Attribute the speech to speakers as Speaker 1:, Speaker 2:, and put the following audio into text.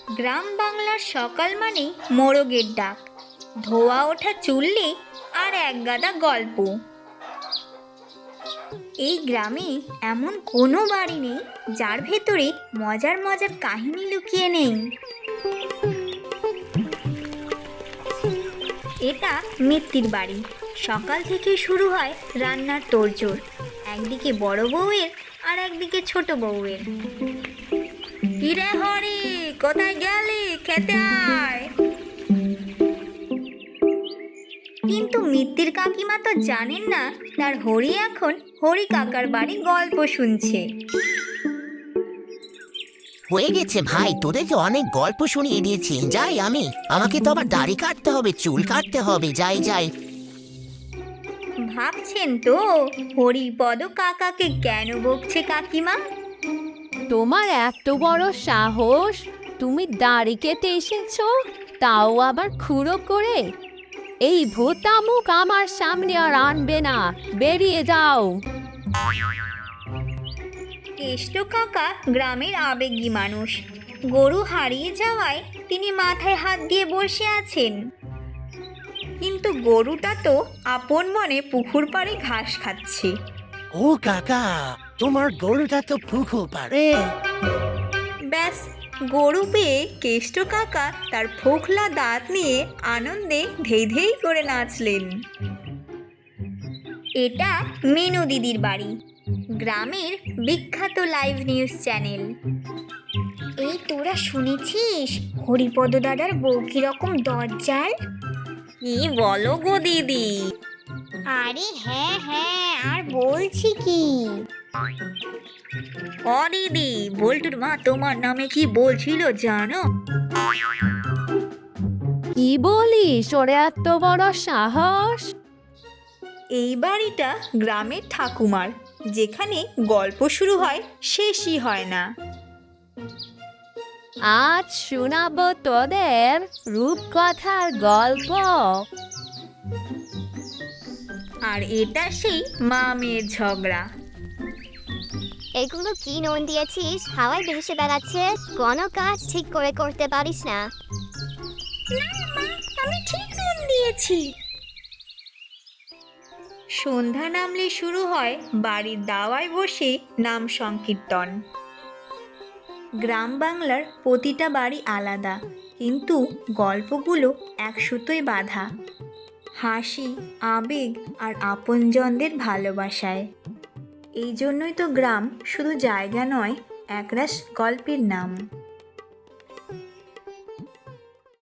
Speaker 1: গ্রাম বাংলার সকাল মানেই মোরগের ডাক, ধোয়া ওঠা চুল্লি আর একগাদা গল্প। এই গ্রামে এমন কোনো বাড়ি নেই যার ভেতরে মজার মজার কাহিনী লুকিয়ে নেই। এটা মিত্তির বাড়ি। সকাল থেকে শুরু হয় রান্নার তোড়জোড়, একদিকে বড় বউয়ের আর একদিকে ছোট বউয়ের। কিরে হরি, কোথায় গেলি? খেতে আয়। কিন্তু মিত্তির কাকিমা তো জানেন না তার হরি এখন হরি কাকার বাড়ি গল্প শুনছে।
Speaker 2: হয়ে গেছে ভাই, তোদেরকে অনেক গল্প শুনিয়ে দিয়েছি, যাই আমি। আমাকে তো আবার দাড়ি কাটতে হবে, চুল কাটতে হবে, যাই যাই।
Speaker 1: ভাবছেন তো হরিপদ কাকাকে কেন বকছে কাকিমা?
Speaker 3: তোমার এত বড় সাহস, তুমি দাড়ি কেটে এসেছো, তাও আবার খুঁড়ো করে। এই ভোতা মুখ আমার সামনে আর আনবে না, বেরিয়ে যাও।
Speaker 1: কেষ্ট কাকা গ্রামের আবেগী মানুষ। গরু হারিয়ে যাওয়ায় তিনি মাথায় হাত দিয়ে বসে আছেন। কিন্তু গরুটা তো আপন মনে পুকুর পাড়ে ঘাস খাচ্ছে।
Speaker 4: ও কাকা, তোমার গরুটা তো পুকুর পাড়ে।
Speaker 1: ব্যাস, গরু পেয়ে কেষ্ট কাকা তার ফোকলা দাঁত নিয়ে আনন্দে ধেই ধেই করে নাচলেন। এটা মিনু দিদির বাড়ি, গ্রামের বিখ্যাত লাইভ নিউজ চ্যানেল। এই তোরা শুনেছিস হরিপদ দাদার বউ কিরকম দজ্জাল? কি বলো গো দিদি? আরে হ্যাঁ হ্যাঁ, আর বলছি কি, ও দিদি, বল্টুর মা তোমার নামে কি বলছিল জানো?
Speaker 3: কি বলিস, ওর এত বড় সাহস?
Speaker 1: এই বাড়িটা গ্রামের ঠাকুমার, যেখানে গল্প শুরু হয় শেষই হয় না।
Speaker 3: আজ শোনাবো তোদের রূপকথার গল্প।
Speaker 1: আর এটা সেই মা মেয়ের ঝগড়া।
Speaker 5: এগুলো কি নুন দিয়েছিস? হাওয়ায় ভেসে বেড়াচ্ছে, কোনো কাজ ঠিক করে করতে পারিস না।
Speaker 1: আমি ঠিক নুন দিয়েছি। সন্ধ্যা নামলে শুরু হয় বাড়ির দাওয়ায় বসে নাম সংকীর্তন। গ্রাম বাংলার প্রতিটা বাড়ি আলাদা, কিন্তু গল্পগুলো এক সুতোয় বাঁধা। হাসি, আবেগ আর আপনজনদের ভালোবাসায়। এই জন্যই তো গ্রাম শুধু জায়গা নয়, একরাশ গল্পের নাম।